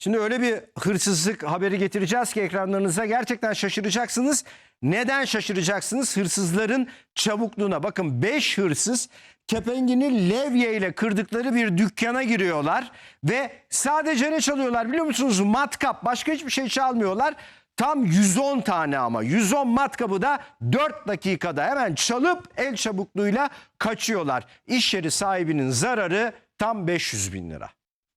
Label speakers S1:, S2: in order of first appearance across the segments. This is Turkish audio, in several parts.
S1: Şimdi öyle bir hırsızlık haberi getireceğiz ki ekranlarınıza, gerçekten şaşıracaksınız. Neden şaşıracaksınız? Hırsızların çabukluğuna. Bakın, 5 hırsız kepengini levye ile kırdıkları bir dükkana giriyorlar ve sadece ne çalıyorlar biliyor musunuz? Matkap, başka hiçbir şey çalmıyorlar. Tam 110 tane, ama 110 matkabı da 4 dakikada hemen çalıp el çabukluğuyla kaçıyorlar. İş yeri sahibinin zararı tam 500 bin lira.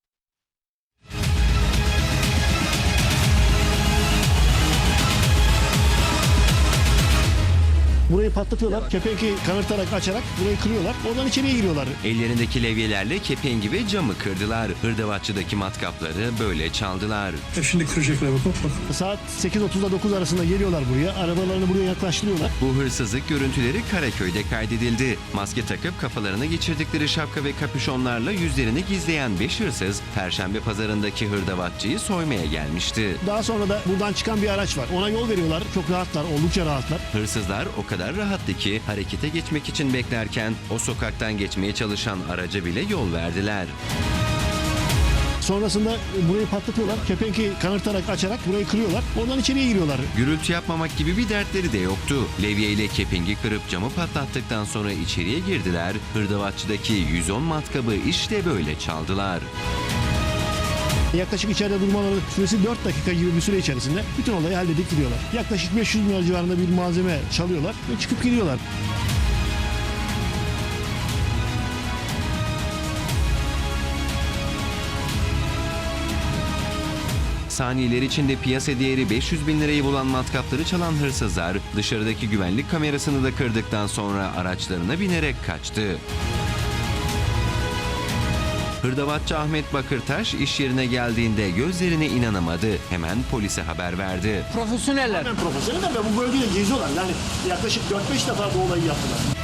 S2: Burayı patlatıyorlar. Kepengi kanırtarak, açarak burayı kırıyorlar. Oradan içeriye giriyorlar.
S3: Ellerindeki levyelerle kepengi ve camı kırdılar. Hırdavatçıdaki matkapları böyle çaldılar.
S4: Şimdi kıracaklar, bak.
S2: Saat 8.30'da 9 arasında geliyorlar buraya. Arabalarını buraya yaklaştırıyorlar.
S3: Bu hırsızlık görüntüleri Karaköy'de kaydedildi. Maske takıp kafalarına geçirdikleri şapka ve kapüşonlarla yüzlerini gizleyen 5 hırsız, Perşembe pazarındaki hırdavatçıyı soymaya gelmişti.
S2: Daha sonra da buradan çıkan bir araç var. Ona yol veriyorlar. Çok rahatlar, oldukça rahatlar.
S3: Hırsızlar o kadar rahattı ki harekete geçmek için beklerken o sokaktan geçmeye çalışan araca bile yol verdiler.
S2: Sonrasında burayı patlatıyorlar. Kepengi kanırtarak, açarak burayı kırıyorlar. Oradan içeriye giriyorlar.
S3: Gürültü yapmamak gibi bir dertleri de yoktu. Levye ile kepengi kırıp camı patlattıktan sonra içeriye girdiler. Hırdavatçıdaki 110 matkabı işte böyle çaldılar.
S2: Yaklaşık içeride durmaları süresi 4 dakika gibi bir süre içerisinde bütün olayı halledip gidiyorlar. Yaklaşık 500 bin lira civarında bir malzeme çalıyorlar ve çıkıp gidiyorlar.
S3: Saniyeler içinde piyasa değeri 500 bin lirayı bulan matkapları çalan hırsızlar dışarıdaki güvenlik kamerasını da kırdıktan sonra araçlarına binerek kaçtı. Hırdavatçı Ahmet Bakırtaş iş yerine geldiğinde gözlerine inanamadı. Hemen polise haber verdi.
S5: Profesyoneller.
S2: Hemen profesyoneller ve bu bölgede geziyorlar. Yani yaklaşık 4-5 defa bu olayı yaptılar.